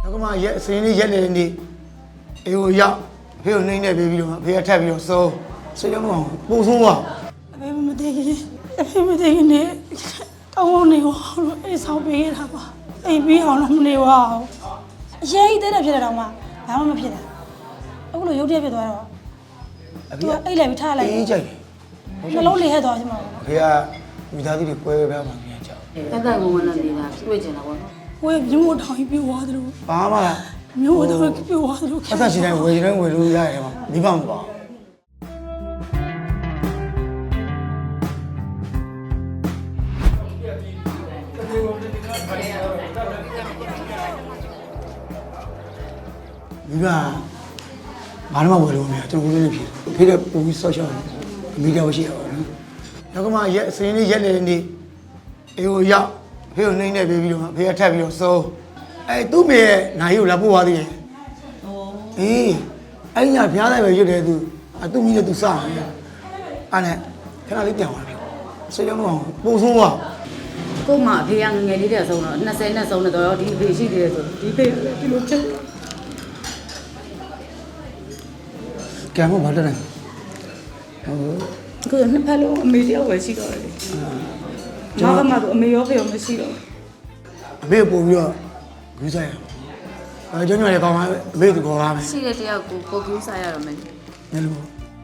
ကမှရက်စင်းလေးရက်နေနေအေကိုရောက်ဖေကိုနှိမ့်နေပြီးတော့ဖေကထက်ပြီးတော့စိုးစိတ်လုံးအောင်ပူဆိုးသွားအဖေမတည်ခင်အဖေမတည်ခင်နဲ့ကောင်းနေအောင်လို့အေးဆောင်ပေးခဲ့တာပါအိမ်ပြီးအောင်တော့မနေပါဘူးအရေးသေးတယ်ဖြစ်တယ်တော့မှဘာမှမဖြစ်တာအခုလိုရုပ်တရက်ဖြစ်သွားတော့သူကအိတ်လိုက်ပြီးထားလိုက်အေးကြိုက်နှလုံးလေးဟဲ့သွားချင်မှာဖေကမိသားစုတွေကွဲပြားမှပြန်ကြောက်တက်တက်ဝင်ဝင်နဲ့နေတာတွေ့ကျင်တာပေါ့နော်ဝယ်မျိုးထောင်ပြီးွားတယ်လို့ဘာမှလားမျိုးထောင်ပြီးွားတယ်လို့အသက်ရှင်တိုင်းဝယ်ရင်ဝယ်လို့ရတယ်မှာမိဘမပါမိဘဘာမှမဝယ်လို့မရကျွန်တော်ကိုလည်းဖြစ်ဖေးတဲ့ပုံပြီးဆော့ရှော့မိတော့ရှိရပါတော့နောက်ကမှရက်စင်းလေးရက်နေနေအေကိုရောက်ဖေကိုနှိမ့်နေပြီးတော့ဖေကထက်ပြီးတော့စိုးသူ့မေရဲ့နိုင်ကိုလာပို့သွားသေးတယ်အေးအဲ့ညဖျားလိုက်ပဲရွတ်တယ်သူ့မိနဲ့သူစတယ်အဲ့နဲ့ခဏလေးပြန်သွားပြီစိတ်လုံးအောင်ပူဆိုးသွားကို့မှာအဖေကငယ်လေးတဲ့ဆုံးတော့20နဲ့ဆုံးတော့ဒီအဖေရှိသေးတယ်ဆိုဒီဖေဒီလိုချက်ကဲမဘာလဲကိုနှစ်ဖက်လုံးအမေတယောက်ပဲရှိတော့တယ်ကျွန်တော်ကမှတော့အမေရောဖေရောမရှိတော့အမေပို့ပြီးတော့ဂူးဆိုင်ကျွန်တော်လည်းကောင်းပါအမေသူခေါ်ပါမယ်ရှိတဲ့တယောက်ကိုပို့ဂူးဆိုင်ရတော့မယ်ညလို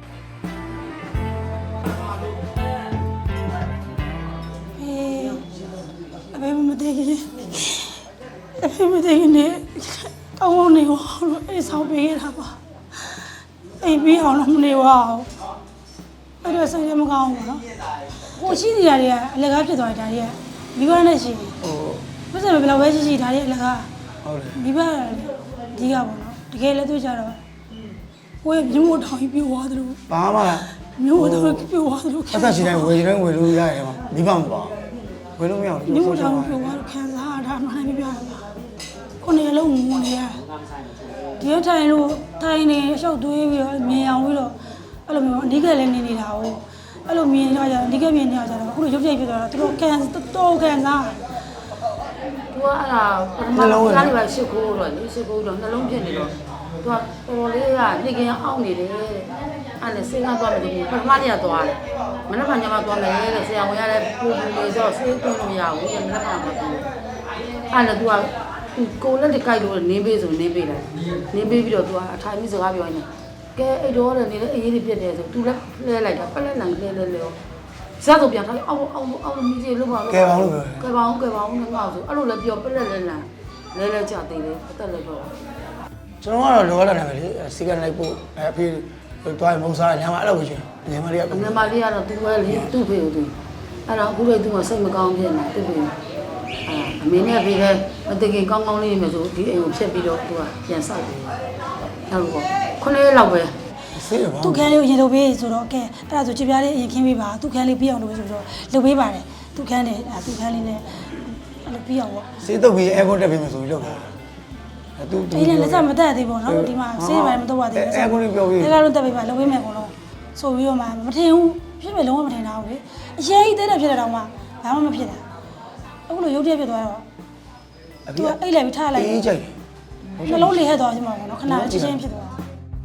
အဖေမတည်ခင်အဖေမတည်ခင်နဲ့ကောင်းနေအောင်လို့အေးဆောင်ပေးခဲ့တာပါအိမ်ပြီးအောင်တော့မနေပါဘူးအဲ့တော့စိတ်မကောင်းဘူးနော်ဟိုရှိနေရတွေကအလကားဖြစ်သွားတာတွေကမိဘနဲ့ရှိတယ်ဘယ်စံဘယ်လောက်ပဲရှိဒါတွေအလကားဟုတ်တယ်မိဘဒီကပေါ့နော်တကယ်လည်းသူကြတော့ကိုယ်မျိုးထောင်ပြီးွားတယ်လို့ဘာမှလားမျိုးထောင်ပြီးွားတယ်လို့အသက်ရှင်တိုင်းဝယ်ရင်ဝယ်လို့ရတယ်မှာမိဘမပါဝယ်လို့မရဘူးမျိုးထောင်ပြီးွားလို့ခံစားတာမှလည်းမပြောရဘူးခုနေလုံးငုံနေရဒီထိုင်လို့ထိုင်နေရှောက်သွေးပြီးတော့မြင်အောင်ပြီးတော့အဲ့လိုမျိုးအဓိကလည်းနေနေတာ哦အဲ့လိုမြင်နေကြအဓိကမြင်နေကြတော့အခုလိုရုပ်ပြိုက်ဖြစ်သွားတော့သူတို့ခံတော်ခံစားသူကအဲ့ဒါပထမဆုံးကားလေးပဲရှစ်ခိုးတော့လေရှစ်ခိုးတော့နှလုံးဖြစ်နေတော့သူကတော်လေးကညစ်ကင်းအောင်နေတယ်အဲ့နဲ့စိတ်ကသွားမယ်ဒီပထမနေ့ကသွားတယ်မနေ့ကညမှာသွားမယ်တဲ့ဆရာဝန်ရတဲ့ပူပူလေးဆိုဆေးသွင်းလို့မရဘူးမနေ့ကမှသွားအဲ့နဲ့သူကကိုလက်တကြိုက်လို့နင်းပေးဆိုနင်းပေးတယ်နင်းပေးပြီးတော့သူကအထိုင်ပြီးစကားပြောနေကဲအဲ့တော့လည်းနေလေအေးလေးဖြစ်တယ်ဆိုသူလည်းလဲလိုက်တာပလက်လန်လဲဇက်ဆိုပြန်ထားအောင်မီးကြီးလို့ပါလို့ကဲပါလို့ကဲပါအောင်ငါ့ဆိုအဲ့လိုလည်းပြောပလက်လဲကြသေးတယ်အသက်လည်းတော့ကျွန်တော်ကတော့လောကလာတယ်လေစီကလိုက်ပို့အဖေတွားမုံစားညမှာအဲ့လိုပဲရှင်ညမလေးကညမလေးကတော့သူ့ပဲလေသူ့ဖေကိုသူအဲ့တော့အခုလည်းသူကစိတ်မကောင်းဖြစ်နေသူ့ဖေအမေနဲ့ဖေလည်းမတကယ်ကောင်းကောင်းလေးနေမယ်ဆိုဒီအိမ်ကိုဖြတ်ပြီးတော့သူကပြန်ဆောက်တယ်ဟုတ်လို့ပေါ့9ရက်လောက်ပဲသူခန်းလေးကိုရင်လုပ်ပေးဆိုတော့ကဲအဲ့ဒါဆိုချစ်ပြားလေးအရင်ခင်းပေးပါသူခန်းလေးပြီးအောင်လုပ်ပေးဆိုတော့လုပ်ပေးပါတယ်သူခန်းလေးသူခန်းလေးနဲ့အဲ့လိုပြီးအောင်ပေါ့စေးတုပ်ပြီးအဲကွန်တက်ပေးမယ်ဆိုပြီးလုပ်တာသူဒီလည်းလက်စမတက်သေးပေါ့နော်ဒီမှာစေးပိုင်းမတော့ပါသေးဘူးအဲကွန်လေးပြောပြီးအဲကတော့တက်ပေးပါလုပ်ပေးမယ်အကုန်လုံးဆိုပြီးတော့မှမထင်ဘူးဖြစ်မယ်လုံးဝမထင်တာဘူးလေအရေးသေးတယ်ဖြစ်တယ်တော့မှဘာမှမဖြစ်တာအခုလိုရုပ်တရက်ဖြစ်သွားတော့သူကအိတ်လိုက်ပြီးထားလိုက်အေးကြိုက်နှလုံးလေးဟဲ့သွားချင်မှာပေါ့နော်ခဏလေးချင်းဖြစ်သွား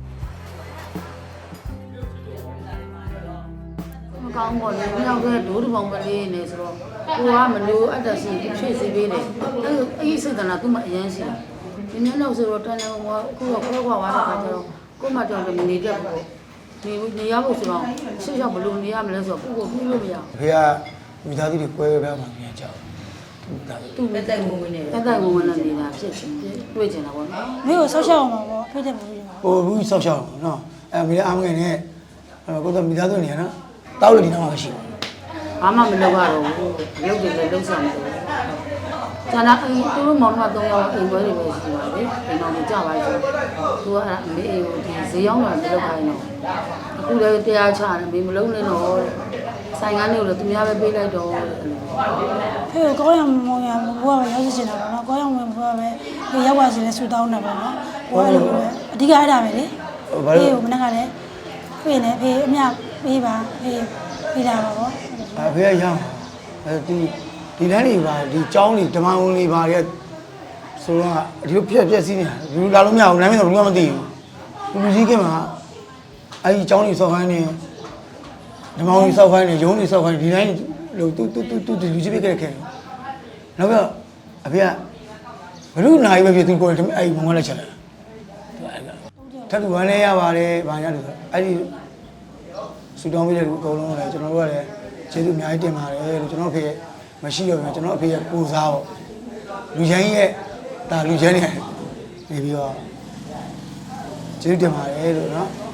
ကောင်းပါလေ။မြောက်ကဒိုးတပေါင်းကလေးနေဆိုတော့ကိုကမလို့အတ္တစီဖြည့်စီပေးတယ်။အဲ့စိတ်ကနာသူ့မှာအရန်ရှိတာ။ဒီနေ့တော့ဆိုတော့တန်တယ်ကခုကခွဲခွာသွားတာကကျတော့ကိုမတော်တယ်မနေတတ်ဘူး။နေရဖို့ဆိုတော့ရှေ့ရောက်ဘလို့နေရမလဲဆိုတော့ကိုပြီးလို့မရဘူး။ဖေကမိသားစုတွေကွဲပြားမှပြန်ကြောက်။သူတက်တက်ဝင်နေတယ်။တက်တက်ဝင်နေတာဖြစ်ချင်တွေ့ချင်တာပေါ့နော်။မင်းကိုဆောက်ရှောက်အောင်ပါပေါ့ဖိတဲ့ဘူး။ဟိုဘူးဆောက်ရှောက်အောင်နော်။အဲမိသားအားမငယ်နဲ့ကိုတော့မိသားစုနေရနော်။တောက်လို့ဒီနောက်မှာရှိ။ဘာမှမလုပ်ရတော့ဘူး။လုပ်တယ်လေလုပ်စားနေတယ်။ကျန်တာသူတို့မောင်နှမ3ယောက်အိမ်ပွဲတွေပဲရှိပါလေ။အိမ်တော်ကိုကြာပါပြီ။သူကအမေအိမ်ကိုဒီဈေးရောက်လာတယ်လုပ်ခိုင်းတော့အခုလည်းတရားချတယ်မေမလုံးနဲ့တော့ဆိုင်ကားလေးကိုလည်းသူများပဲပေးလိုက်တော့ဖေကိုကောင်းရမောင်ရဘိုးကပဲရောက်ချင်တာပေါ့နော်ကောင်းရမောင်ဘိုးကပဲဒီရောက်ပါစေလဲဆူတောင်းတာပေါ့နော်ဘိုးကလည်းအဓိကအဲ့ဒါပဲလေဖေကိုမနေ့ကလည်းဖေနဲ့ဖေအမြပေးပါဖေပေးတာပါပေါ့ဖေကရအောင်ဒီလမ်းတွေပါဒီကျောင်းတွေဓမ္မဝင်တွေပါတဲ့စဆိုတော့ဒီလိုပြက်စီးနေတာဒီလိုလာလို့မရဘူးလမ်းမဆိုဘူးမသိဘူးလူကြီးကမှအဲ့ဒီအကြောင်းကြီးစောက်ခိုင်းနေဓမ္မကြီးစောက်ခိုင်းနေရုံးကြီးစောက်ခိုင်းဒီတိုင်းလို့တူလူကြီးပြခဲ့ခဲ့နောက်ပြီးအဖေကဘလူးနိုင်ပဲဖြစ်သူကိုအဲ့ဒီမောင်ကလည်းချက်လာထပ်တူဝမ်းလဲရပါတယ်ဗာရလို့အဲ့ဒီစူတောင်းပေးတဲ့လူအကုန်လုံးလည်းကျွန်တော်တို့ကလည်းကျေးဇူးအများကြီးတင်ပါတယ်လို့ကျွန်တော်ဖေမရှိတော့ဘူးကျွန်တော်အဖေကပူစားပေါ့လူချမ်းရဲ့ဒါလူချမ်းနေပြီးတော့ကျေးဇူးတင်ပါတယ်လို့နော်